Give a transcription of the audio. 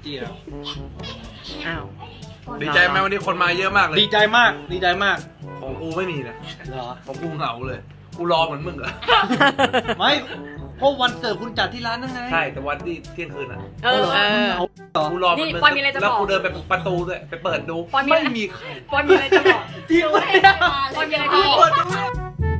จี้แล้วอ้าวดีใจไหมวันนี้คนมาเยอะมากเลยดีใจมากดีใจมากของกูไม่มีนะเหรอของกูเหงาเลย กูรอเหมือนมึงเหรอไม่เพราะวันเกิดคุณจัดที่ร้านนั่นไงใช่แต่วันที่เที่ยงคืนอ่ะเออกูรอเหมือนมึงนี่ปอนมีอะไรจะบอกแล้วกูเดินไปประตูด้วยไปเปิดดูปอนมีไม่อะไรมีใครปอนมีอะไรจะบอกที่ไม่ได้ปอนมีอะไรจะบอก